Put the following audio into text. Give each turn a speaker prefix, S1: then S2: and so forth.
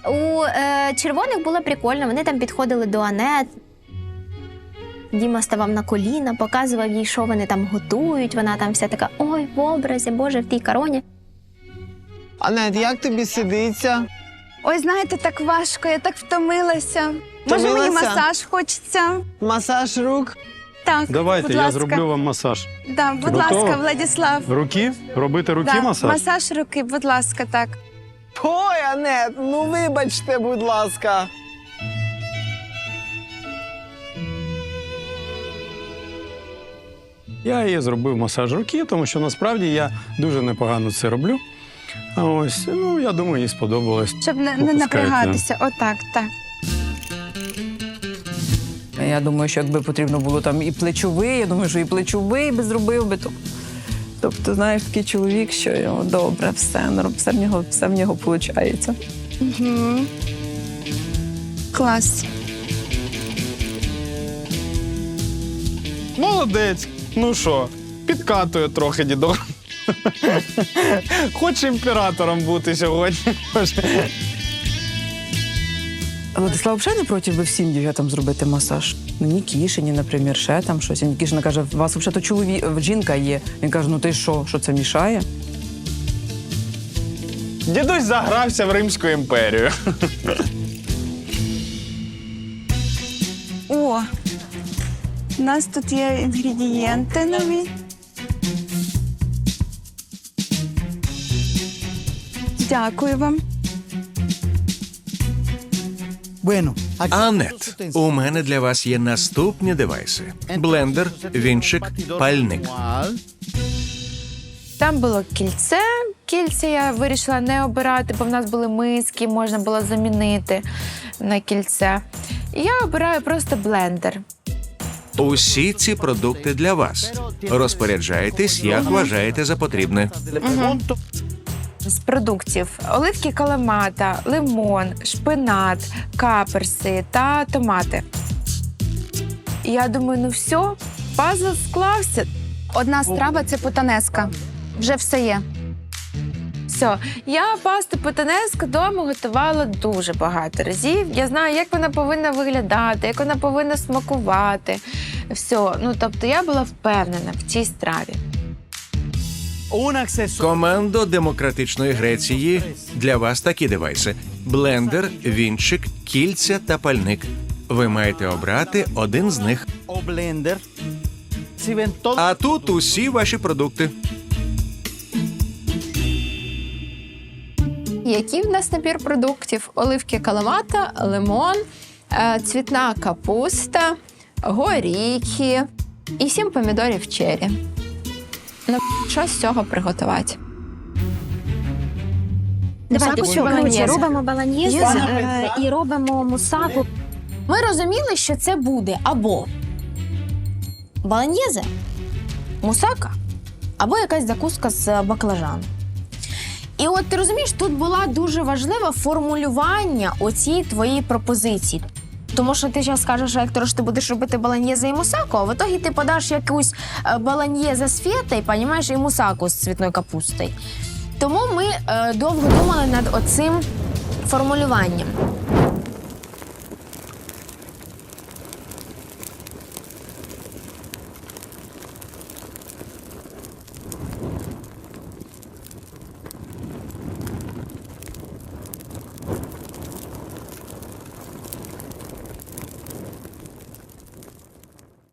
S1: У червоних було прикольно, вони там підходили до Анет. Діма ставав на коліна, показував їй, що вони там готують. Вона там вся така, ой, в образі, Боже, в тій короні.
S2: Анет, як тобі сидиться?
S3: Ой, знаєте, так важко, я так втомилася. Може, мені
S2: Втомилася?
S3: масаж хочеться?
S2: Масаж рук?
S3: Так,
S4: Давайте,
S3: будь
S4: я
S3: ласка.
S4: зроблю вам масаж.
S3: Да, будь
S4: Готова?
S3: ласка, Владислав.
S4: Руки? Робити руки
S3: Да,
S4: масаж?
S3: масаж руки, будь ласка, так.
S2: Ой, Анет, ну вибачте, будь ласка.
S4: Я їй зробив масаж руки, тому що насправді я дуже непогано це роблю. А ось, ну, я думаю, їй сподобалось.
S3: Щоб не
S4: Попускайте.
S3: напрягатися. Отак, так.
S5: Я думаю, що якби потрібно було там і плечовий, я думаю, що і плечовий би зробив би. Тобто, знаєш, такий чоловік, що його добре, все в нього виходить.
S3: Угу. Клас.
S6: Молодець. Ну що, підкатує трохи дідок. Хоче імператором бути сьогодні.
S5: Владислав взагалі не проти би всім дівчатам зробити масаж. Ну, Нікішині, наприклад, ще там щось. І Нікішина каже, у вас взагалі жінка є. Він каже, ну ти що це мішає?
S6: Дідусь загрався в Римську імперію.
S3: О, у нас тут є інгредієнти нові. Дякую вам.
S7: Анет, у мене для вас є наступні девайси: блендер, вінчик, пальник.
S8: Там було кільце. Кільце я вирішила не обирати, бо в нас були миски, можна було замінити на кільце. І я обираю просто блендер.
S7: Усі ці продукти для вас. Розпоряджайтесь, як вважаєте за потрібне.
S8: З продуктів оливки каламата, лимон, шпинат, каперси та томати. І я думаю, ну все, пазл склався.
S3: Одна страва – це потанеска. Вже все є.
S8: Все, я пасту потанеску вдома готувала дуже багато разів. Я знаю, як вона повинна виглядати, як вона повинна смакувати. Все, ну тобто я була впевнена в цій страві.
S7: Командо Демократичної Греції, для вас такі девайси: блендер, вінчик, кільця та пальник. Ви маєте обрати один з них. А тут усі ваші продукти.
S1: Який в нас набір продуктів? Оливки каламата, лимон, цвітна капуста, горіхи і 7 помідорів черрі. Ну, що з цього приготувати?
S9: Давайте
S1: Мусаку
S9: що,
S1: чи
S9: коротше,
S1: болоньєзе?
S9: робимо болоньєзе і робимо мусаку.
S10: Ми розуміли, що це буде або болоньєзе, мусака, або якась закуска з баклажану. І от ти розумієш, тут була дуже важлива формулювання оцій твоїй пропозиції. Тому що ти зараз скажеш, Ектор, що ти будеш робити болоньєзе і мусаку, а в ітогі ти подаш якусь болоньєзе з фетою, понімаєш, і мусаку з цвітною капустою. Тому ми довго думали над оцим формулюванням.